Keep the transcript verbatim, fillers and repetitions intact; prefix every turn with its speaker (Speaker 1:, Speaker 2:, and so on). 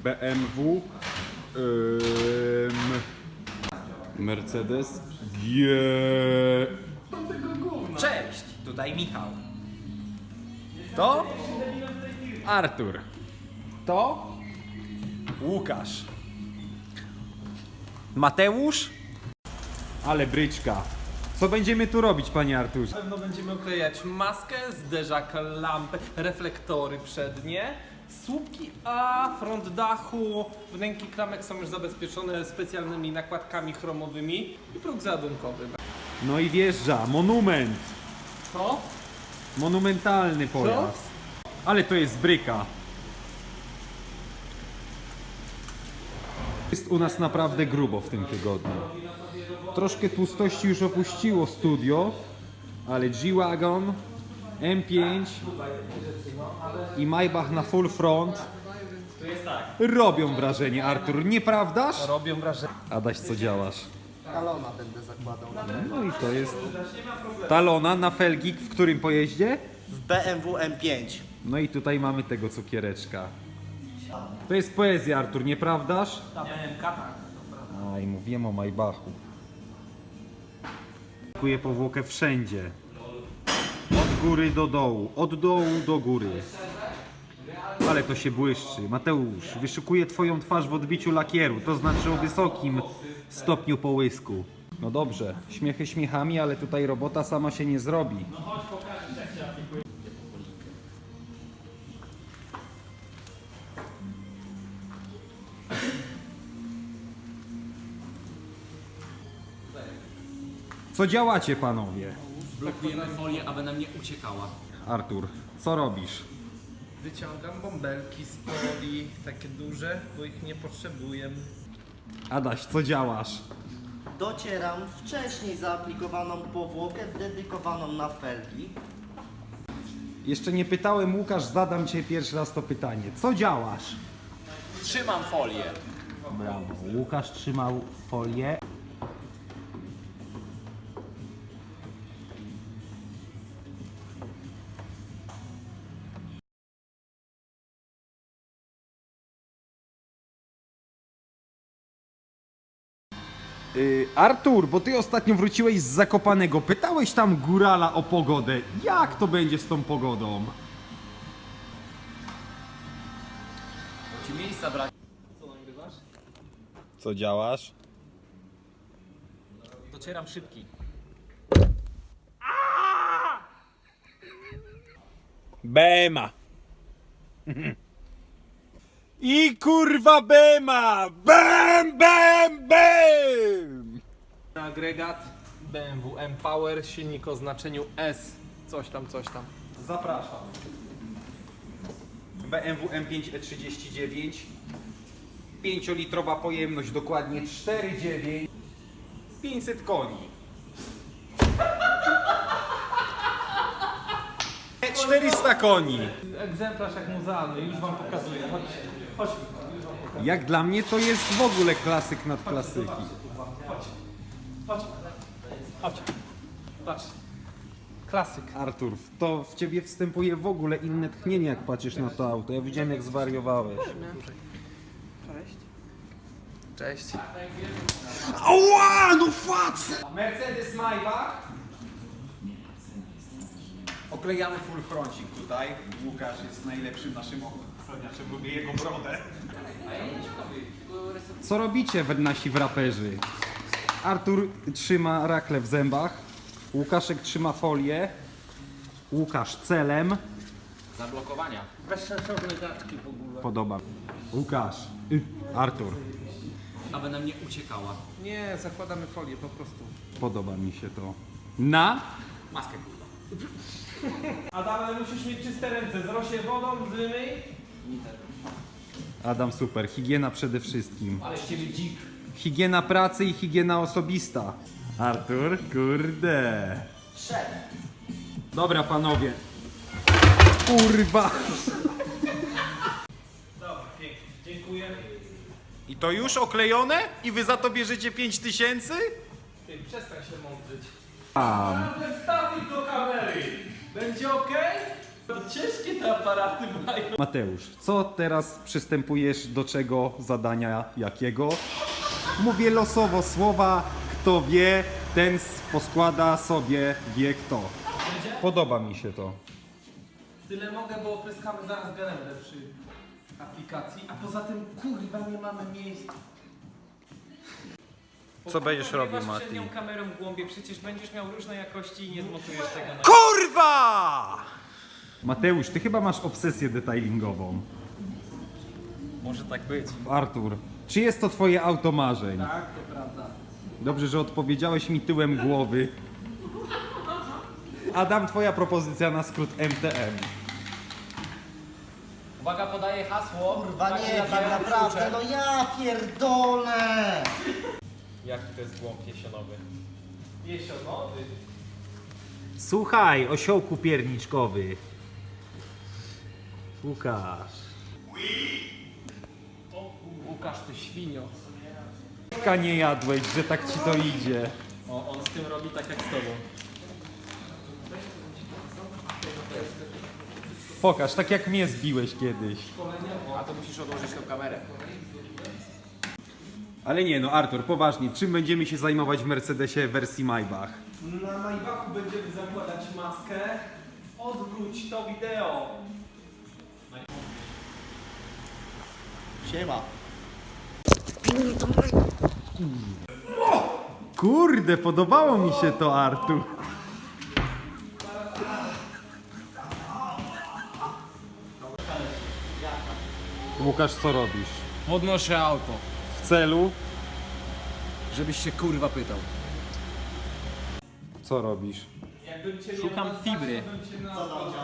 Speaker 1: B M W, ym, Mercedes G.
Speaker 2: Cześć, tutaj Michał. To
Speaker 1: Artur.
Speaker 2: To Łukasz. Mateusz.
Speaker 1: Ale bryczka. Co będziemy tu robić, panie Arturze?
Speaker 3: Na pewno będziemy oklejać maskę, zderzak, lampy, reflektory przednie, słupki, a front dachu, wnęki klamek są już zabezpieczone specjalnymi nakładkami chromowymi i próg załadunkowy.
Speaker 1: No i wjeżdża, monument.
Speaker 3: Co?
Speaker 1: Monumentalny pojazd. Ale to jest bryka. Jest u nas naprawdę grubo w tym tygodniu. Troszkę tłustości już opuściło studio, ale G-Wagon, M pięć i Maybach na full front robią wrażenie, Artur, nieprawdaż?
Speaker 3: Robią wrażenie.
Speaker 1: Adaś, co działasz?
Speaker 4: Talona będę zakładał.
Speaker 1: No i to jest talona na felgi w którym pojeździe?
Speaker 4: W B M W M pięć.
Speaker 1: No i tutaj mamy tego cukiereczka. To jest poezja, Artur, nieprawdaż? Aj, mówiłem o Maybachu. Kuję powłokę wszędzie. Od góry do dołu, od dołu do góry. Ale to się błyszczy. Mateusz, wyszukuję twoją twarz w odbiciu lakieru, to znaczy o wysokim stopniu połysku. No dobrze, śmiechy śmiechami, ale tutaj robota sama się nie zrobi. Co działacie, panowie?
Speaker 5: Blokujemy folię, aby nam nie uciekała.
Speaker 1: Artur, co robisz?
Speaker 3: Wyciągam bąbelki z folii, takie duże, bo ich nie potrzebuję.
Speaker 1: Adaś, co działasz?
Speaker 4: Docieram wcześniej zaaplikowaną powłokę dedykowaną na felgi.
Speaker 1: Jeszcze nie pytałem, Łukasz, zadam cię pierwszy raz to pytanie. Co działasz?
Speaker 5: Trzymam folię.
Speaker 1: Brawo. Łukasz trzymał folię. Yy, Artur, bo ty ostatnio wróciłeś z Zakopanego. Pytałeś tam górala o pogodę. Jak to będzie z tą pogodą?
Speaker 5: Ci miejsca brak.
Speaker 1: Co działasz?
Speaker 5: Docieram szybki.
Speaker 1: Bema. I kurwa bema! Bem, bem, bem!
Speaker 3: Agregat B M W M Power, silnik o znaczeniu S. Coś tam, coś tam.
Speaker 1: Zapraszam. B M W M pięć E trzydzieści dziewięć. pięciolitrowa pojemność, dokładnie cztery przecinek dziewięć. pięćset koni. czterysta koni.
Speaker 3: Egzemplarz jak muzealny, już wam pokazuję. Chodź, chodź.
Speaker 1: Jak dla mnie to jest w ogóle klasyk nad klasyki.
Speaker 3: Chodź, chodź. Patrz. Klasyk.
Speaker 1: Artur, to w ciebie wstępuje w ogóle inne tchnienie, jak patrzysz na to auto. Ja widziałem, jak zwariowałeś.
Speaker 3: Cześć.
Speaker 1: Ała, no fac! Mercedes Maybach. Oklejamy full froncik tutaj. Łukasz jest najlepszym naszym ochroniarzem, lubię jego brodę. Co robicie, w- nasi wraperzy? Artur trzyma rakle w zębach. Łukaszek trzyma folię. Łukasz celem.
Speaker 5: Zablokowania.
Speaker 3: Weź sensowne gadki w ogóle.
Speaker 1: Podoba. Łukasz. Y, Artur.
Speaker 5: Aby nam nie uciekała.
Speaker 3: Nie, zakładamy folię po prostu.
Speaker 1: Podoba mi się to. Na?
Speaker 5: Maskę kurwa.
Speaker 3: Adam, ale musisz mieć czyste ręce. Zrosie wodą, zmyj.
Speaker 1: Adam, super. Higiena przede wszystkim.
Speaker 5: Ale z ciebie dzik.
Speaker 1: Higiena pracy i higiena osobista. Artur, kurde.
Speaker 4: Szef.
Speaker 1: Dobra, panowie. Kurwa.
Speaker 3: Dobra, pięknie. Dziękuję.
Speaker 1: I to już oklejone? I wy za to bierzecie pięć tysięcy?
Speaker 3: Ty, przestań się mądrzyć.
Speaker 1: Tam.
Speaker 3: Wstawić do kamery. Będzie ok? Ciężkie te aparaty mają.
Speaker 1: Mateusz, co teraz przystępujesz do czego zadania jakiego? Mówię losowo słowa, kto wie, ten s- poskłada sobie wie kto. Podoba mi się to.
Speaker 3: Tyle mogę, bo opryskamy zaraz gelendę przy aplikacji, a poza tym kurwa nie mamy miejsca.
Speaker 1: Co będziesz robił,
Speaker 5: Pogrywasz
Speaker 1: Mati?
Speaker 5: przednią kamerą w głąbie, przecież będziesz miał różne jakości i nie zmontujesz tego na...
Speaker 2: Kurwa!
Speaker 1: Mateusz, ty chyba masz obsesję detailingową.
Speaker 5: Może tak być.
Speaker 1: Artur, czy jest to twoje auto marzeń?
Speaker 3: Tak, to prawda.
Speaker 1: Dobrze, że odpowiedziałeś mi tyłem głowy. Adam, twoja propozycja na skrót M T M.
Speaker 5: Uwaga, podaję hasło.
Speaker 4: Kurwa
Speaker 5: Uwaga,
Speaker 4: nie, tak
Speaker 5: zabijamy
Speaker 4: naprawdę,
Speaker 5: klucze.
Speaker 4: no ja pierdolę!
Speaker 5: Jaki to jest głąb jesionowy?
Speaker 3: Jesionowy.
Speaker 1: Słuchaj, osiołku pierniczkowy. Łukasz.
Speaker 3: Łukasz, ty świnio.
Speaker 1: Ka nie jadłeś, że tak ci to idzie.
Speaker 5: O, on z tym robi tak jak z tobą.
Speaker 1: Pokaż, tak jak mnie zbiłeś kiedyś.
Speaker 5: A to musisz odłożyć tą kamerę.
Speaker 1: Ale nie no, Artur, poważnie, czym będziemy się zajmować w Mercedesie wersji Maybach?
Speaker 3: Na Maybachu będziemy zakładać maskę. Odwróć to wideo.
Speaker 4: Siema.
Speaker 1: Kurde, podobało mi się to, Artur. Łukasz, co robisz?
Speaker 5: Podnoszę auto,
Speaker 1: W celu?
Speaker 5: żebyś się kurwa pytał.
Speaker 1: Co robisz?
Speaker 3: Jakbym cię
Speaker 5: Szukam
Speaker 3: miał
Speaker 5: fibry.
Speaker 3: nazwać, bym cię nazwał